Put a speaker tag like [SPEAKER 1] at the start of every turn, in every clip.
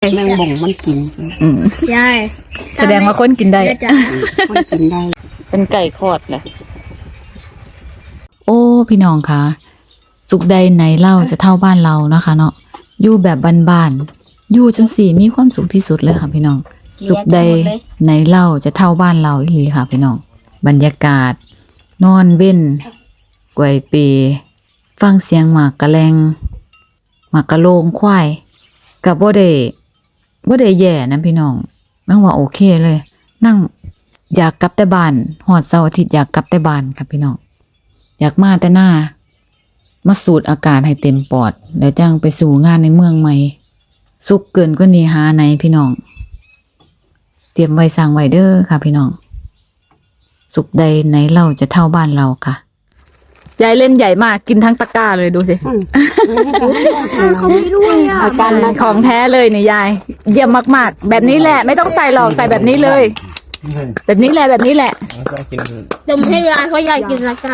[SPEAKER 1] แมงบ่งมันกิน
[SPEAKER 2] ใช่
[SPEAKER 3] แสดงว่าคนกินได้
[SPEAKER 1] คนกินได้
[SPEAKER 3] เป็นไก่คอดแหละโอ้พี่น้องคะสุขใดไหนเล่าจะเท่าบ้านเรานะคะเนาะอยู่แบบบ้านๆอยู่จังสี่มีความสุขที่สุดเลยค่ะพี่น้องสุขใดไหนเล่าจะเท่าบ้านเราอีหลีค่ะพี่น้องบรรยากาศนอนเว้นกวยเปฟังเสียงหมากกะแลงหมากกะโลงควายกับบ่ได้แย่นะพี่น้องนั่งว่าโอเคเลยนั่งอยากกลับแต่บ้านหอดเสาร์อาทิตย์อยากกลับแต่บ้านครับพี่น้องอยากมาแต่หน้ามาสูดอากาศให้เต็มปอดแล้วจังไปสู่งานในเมืองใหม่สุขเกินกว่านี้หาไหนพี่น้องเตรียมไว้สร้างไว้เด้อค่ะพี่น้องสุขใดไหนเราจะเท่าบ้านเราค่ะยายเล่นใหญ่มากกินทั้งตะกร้าเลยดูสิ
[SPEAKER 2] เขาไม่ด้วยอ่ะ
[SPEAKER 3] ของแท้เลยเนี่ยยายเยี่ยมมากๆแบบนี้แหละไม่ต้องใส่หรอกใส่แบบนี้เลยแบบนี้แหละแบบนี้แหละ
[SPEAKER 2] ดมให้ยายเพราะยายกินแล้วก็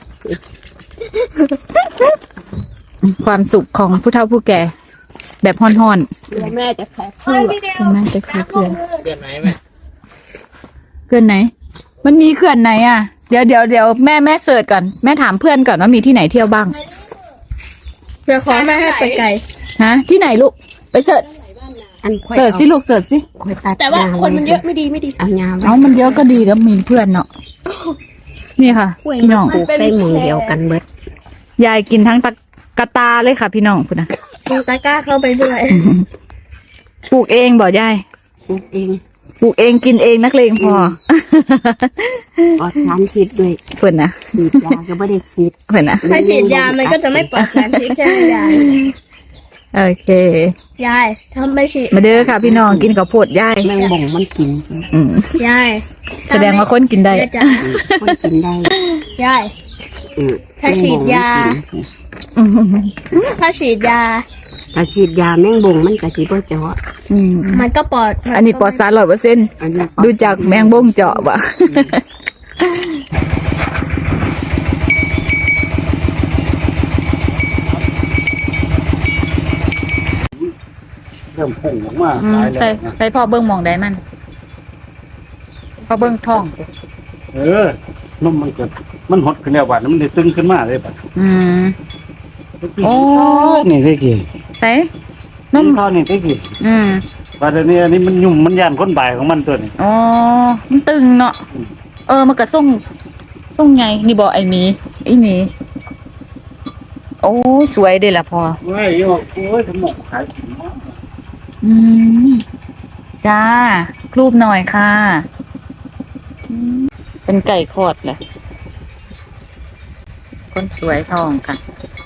[SPEAKER 3] ความสุขของผู้เฒ่าผู้แก่แบบห่อน
[SPEAKER 2] ๆแม่จะแพ้เพื่
[SPEAKER 3] อนแม่จะแพ้เพื่อนไหนแม่เพื่อนไหนมันมีเขื่อนไหนอ่ะเดี๋ยวแม่เสิร์ชก่อนแม่ถามเพื่อนก่อนว่ามีที่ไหนเที่ยวบ้าง
[SPEAKER 2] เดี๋ยวขอแม่ให้ไปไกล
[SPEAKER 3] ฮะที่ไหนลูกไปเสิร์ชสิลูกเสิร์ชสิ
[SPEAKER 2] แต่ว่าคนมันเยอะไม่ดี
[SPEAKER 3] เอามันเยอะก็ดีแล้วมีเพื่อนเนาะนี่ค่ะพี่น้อง
[SPEAKER 1] ปลูกได้หมู่เดียวกันเบิด
[SPEAKER 3] ยายกินทั้งกระตาเลยค่ะพี่น้องคุณนะ
[SPEAKER 2] ตะกร้าเข้าไปด้วย
[SPEAKER 3] ปลูกเองบ่ยาย
[SPEAKER 1] ปลูกเ
[SPEAKER 3] องกินเองนักเลงพอ
[SPEAKER 1] ปลอดสารพิษด้วย
[SPEAKER 3] เพื่อนนะ
[SPEAKER 1] ฉีดยาก็ไม่ได้ฉีด
[SPEAKER 3] เพื่อนนะ
[SPEAKER 2] ถ้าฉีดยามันก็จะไม่ปลอดสารพิษใช่ไหมยาย
[SPEAKER 3] โอเค
[SPEAKER 2] ยายถ้าไม่ฉีด
[SPEAKER 3] มาเด้อค่ะพี่น้องกินข้าวโพดยาย
[SPEAKER 1] แมงบ่งมันกิน
[SPEAKER 2] ยาย
[SPEAKER 3] แสดงว่าคนกินได้
[SPEAKER 1] คนกินได้
[SPEAKER 2] ยายถ้าฉีดยาถ้าฉีดยา
[SPEAKER 1] แมงบ่งมันก็สิบ่เจาะ
[SPEAKER 2] มันก็ปลอด
[SPEAKER 3] อันนี้ปลอดสาร 100%ดูจากแมงบ่งเจาะบ่
[SPEAKER 4] เริ่มพุ่งออกมา
[SPEAKER 3] ใส่พ่อเบิ้งมองได้มันพ่อเบิ้งท้อง
[SPEAKER 4] นมมันเกิดมันหดขึ้นแล้วบาดมันได้ตึงขึ้นมาเลยบาด
[SPEAKER 3] โอ้
[SPEAKER 4] นี่ได้กี่
[SPEAKER 3] ใส่
[SPEAKER 4] นมเขานี่ได้กี่บาดนี้อันนี้มันยุ่มมันย่านคนบ่ายของมันตัวนี้
[SPEAKER 3] อ๋อมันตึงเนาะมันกระส่งไงนี่บอกไอ้หมีโอ้สวยเด้ล่ะพอ
[SPEAKER 4] โอ้ยขนมขาย
[SPEAKER 3] จ้ารูปหน่อยค่ะเป็นไก่คอดแหละคนสวยทองค่ะ